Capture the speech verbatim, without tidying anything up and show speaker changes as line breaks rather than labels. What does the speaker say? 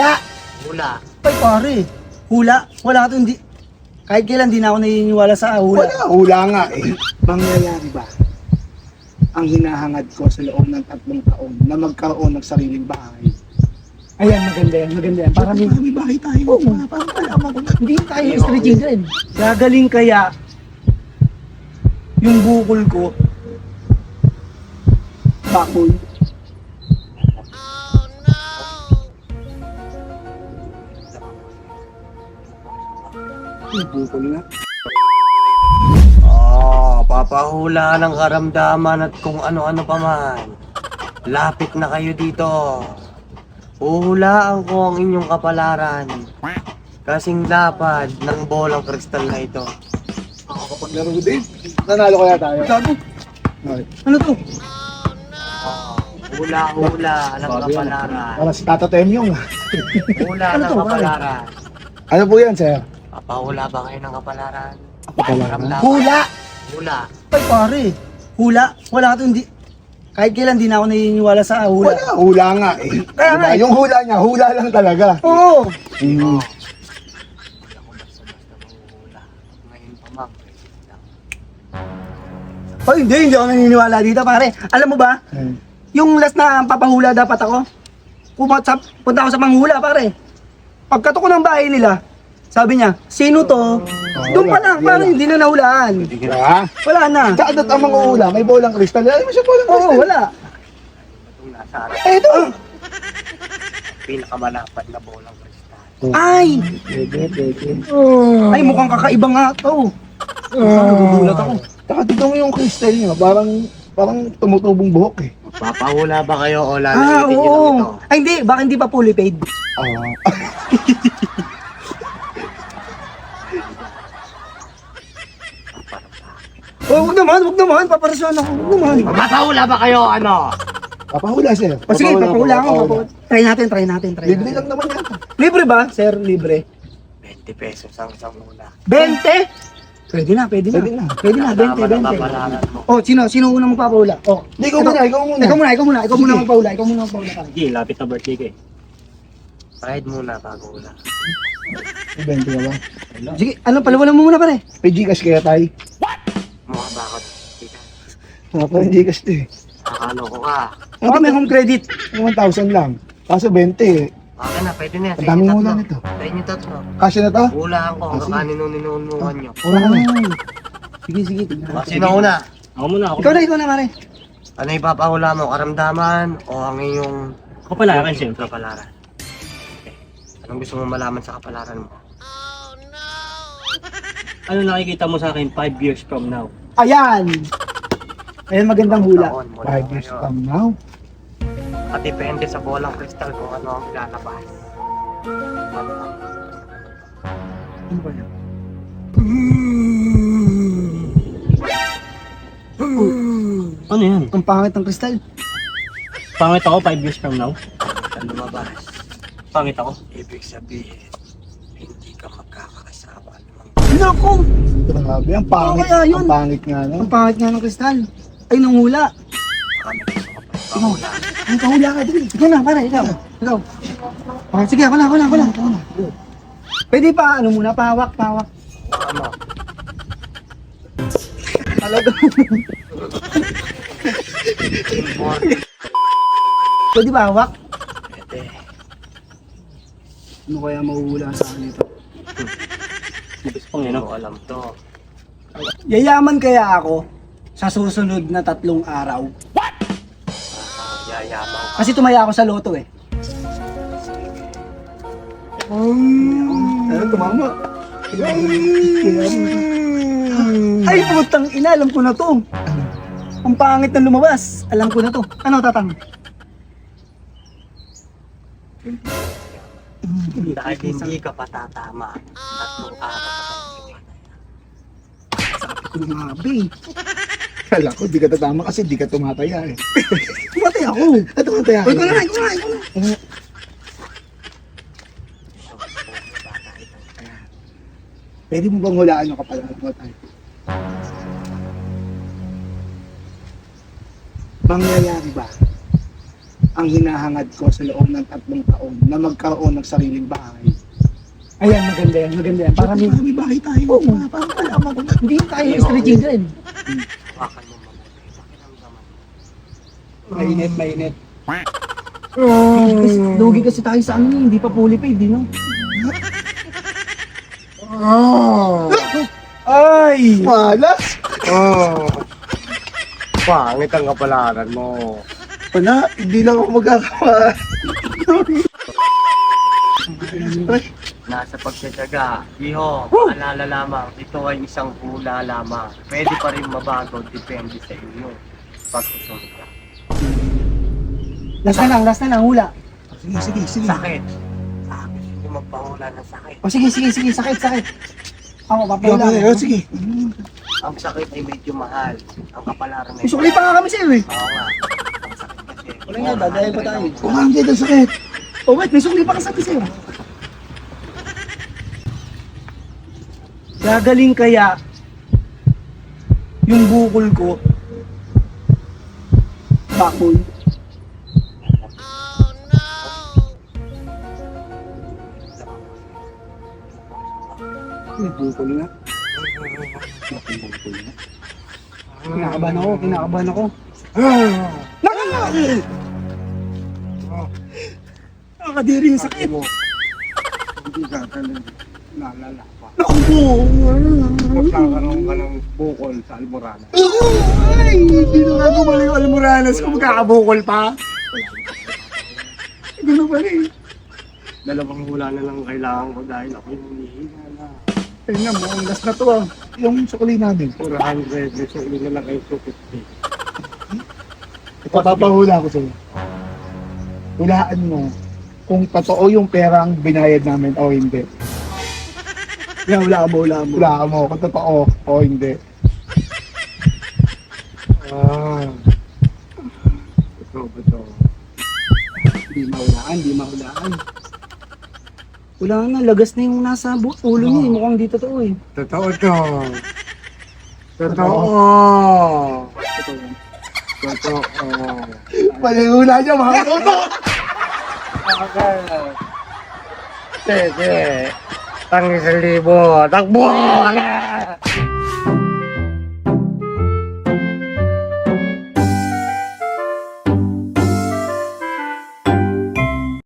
Hula!
Hula.
Ay pare, hula. Wala ka to, hindi. Kahit kailan di na ako naniniwala sa hula.
Wala, hula nga eh. Mangyayari ba ang hinahangad ko sa loob ng tatlong taon na magkaroon ng sariling bahay?
Ayan, maganda yan, maganda yan. Para may,
may bahay tayo.
Oo.
Para parang malaman ko na.
hindi tayo street children. Gagaling kaya yung bukol ko. Bakol.
Yung bukol na.
Oh, papahula ng karamdaman at kung ano-ano pa man. Lapit na kayo dito. Uhulaan ko ang inyong kapalaran. Kasing lapad ng bolang kristal na ito.
Ako kapag laro din. Nanalo kaya tayo.
Gago.
Okay.
Ano to?
Oh, hula-hula ng kapalaran.
Para si Tata Temyong.
Hula
Ano
ng
to,
kapalaran.
Ano po yan, sir?
Papahula ba kayo ng kapalaran?
Kapalaran?
Karamdaman.
Hula!
Hula.
Ay pare, hula. Wala ka to, hindi. Kahit kailan di na ako naniniwala sa hula.
Wala, hula nga eh.
Kaya nga
Diba?
eh.
Yung hula niya, hula lang talaga.
Oo.
Mm.
Hindi ako basta-basta manguhula. Ngayon pa ma'am, pwede lang.
Ay, hindi, hindi ako naniniwala dito pare. Alam mo ba,
Mm.
yung last na papahula dapat ako, pumunta, punta ako sa panghula pare. Pagkato ko ng bahay nila, sabi niya, sino to? Doon pa lang,
wala,
pare,
wala.
hindi na nahulaan.
Diba?
Wala na.
Saan at ang mga hula? May bolang kristal. Alam mo siya bolang
Oo,
kristal?
wala.
Itong nasa harap,
Eh, ito.
pinakamalapad na bolang kristal.
Ay!
Pwede, pwede.
Ay, mukhang kakaiba nga to. Nagugulat ako.
Saka tignan mo yung kristal niya. Parang, parang tumutubong buhok eh.
Papahula ba kayo o
Ah,
lalagitin nyo lang ito?
oo. Ay, hindi. Baka hindi pa fully paid.
Ah.
Oh, wag naman, wag naman. Paparasyon ako. Wag naman.
Papahula ba kayo ano?
Papahula, sir.
O sige, papahula ako.
papahula.
papahula. Try natin, try natin, try
Libre
natin.
lang naman yan.
Libre ba, sir? Libre.
twenty pesos ang isang hula.
twenty? Pwede na, pwede na.
Pwede na.
Pwede na, twenty,
Kasama ng
twenty.
kapalaran mo.
Oh, sino? Sino unang magpapahula? Oh.
Hindi, ikaw muna, ikaw muna.
Ikaw muna, ikaw muna. Ikaw muna
Sige.
magpahula. Ikaw muna magpahula. pare.
Sige, lapit na birthday ko eh.
Ride muna bago hula.
Ibento ka ba?
Sige, ano, palawalan mo muna pare.
May Gcash kaya tayo?
Mukha ba ako? Tita,
Mga parang Gcash to eh.
akalo ko ka.
Baka may home credit.
one thousand lang. Kaso twenty eh.
Okay na, pwede na yan.
Ang daming hula
tatlo.
nito.
Sa inyo tatlo.
Kasya na to?
Hulaan ko
Ah,
hanggang
sige.
kanino-ninunuhan nyo.
Wala ka na.
Ay. Sige, sige. tignan
O,
natin.
sino una?
Ako muna, ako.
Ikaw na, ikaw na pare.
Ano ipapahula mo? Karamdaman o ang iyong
Ako pala, akin siyempre.
kapalaran? Okay. Anong gusto mo malaman sa kapalaran mo?
Ano nakikita mo sa akin five years from now?
Ayan. Ayan, magandang hula.
Taon mula
Five years
ngayon.
from now.
At depende sa bolang kristal kung ano ang ilalabas.
Ano ba yan?
Ano yan?
Ang pangit ng kristal.
Pangit ako five years from now?
Ang lumabas,
Pangit ako?
ibig sabihin, hindi ka magkakasama.
Naku!
Grabe, ang pangit.
Oo, kaya yun.
Ang pangit nga no.
Ang pangit nga ng kristal. Ay, nung hula.
Kami gusto ko pa ipahula.
Ay, kahula ka din. Ikaw na, pare, ikaw. Ikaw. Ah, sige, ako na, ako na, ako na. Ako na. Pwede pa, ano muna, pahawak, pahawak.
Ano?
Talaga. Pwede ba hawak?
Pwede.
Ano kaya mahuhula sa akin ito?
Mabis pang yun,
Hindi
no?
ko alam to.
Yayaman kaya ako sa susunod na tatlong araw?
Ah, yayaman ka.
Kasi tumaya ako sa loto eh.
Ano, tumama.
Ay, putang ina, alam ko na to. Ang pangit na lumabas. Alam ko na to. Ano, tatang?
Dahil hindi ka patatama. Tatlong araw ka pa
Grabe.
Kala ko, di ka tatama kasi di ka tumataya eh.
Tumatay ako.
Ah, tumataya.
Uy, ko na, ikaw na, ikaw na.
Pwede mo bang hulaan yung kapalaran mo tayo? Mangyayari ba ang hinahangad ko sa loob ng tatlong taon na magkaroon ng sariling bahay.
Ayan, maganda yan, maganda yan. Para may,
Para may bahay tayo.
Oo.
Para para malaman ko na.
hindi tayo street children.
Hawakan mo mabuti. Pakiramdaman.
Mainit, mainit. Lugi kasi, lugi kasi tayo sa ano, hindi pa fully paid, di no? Ay!
Malas!
Oh. Pangit ang kapalaran mo.
Wala, hindi lang ako magkakawa.
Nasa pagtsatsaga, iho, paalala lamang, ito ay isang hula lamang. Pwede pa rin mabago, depende sa inyo. Pagsusunod ka.
Last na lang, last na lang, hula.
Sige, sige, sige.
Sakit. Sabi, hindi magpahula ng sakit.
O sige, sige, sige, sakit, sakit. Ako,
Wala,
papahula.
wala, sige.
Ang sakit ay medyo mahal. Ang kapalaran ay...
Isukli pa nga kami sa'yo eh.
Oo nga. Ang sakit kasi.
Wala nga, dadayan pa tayo.
Kumang dito, sakit.
Oh wait, may sukli pa kasabi sa'yo. Gagaling kaya yung bukol ko bakol.
May bukol na.
Kinakabahan ako, kinakabahan ako. Nakakadiri yung sakit.
Hindi ka talaga nalala pa.
Naku!
Magkakaroon ka ng bukol sa Alborada.
Ay! Hindi na nga gumaling yung Almoranas kung magkakabukol pa. Gano'n pa rin.
Dalawang hula na lang kailangan ko dahil ako'y nanihina na.
Tingnan mo, ang last na to ah. Yung sukli namin.
four hundred, so yun na lang kayo two fifty.
Ipapapahula ko sa'yo. Hulaan mo kung totoo yung perang binayad namin o hindi.
Yan, wala ka mo, wala mo.
Hulaan mo kung totoo o hindi.
Ah. Ito ba ito?
Hindi mahulaan, hindi mahulaan. Wala na, lagas na yung nasa bu- ulo niya. eh. Mukhang di totoo eh.
Totoo to. Totoo. Totoo.
Palihula niya mga toto!
Sige. Tang isang libo. Takbo!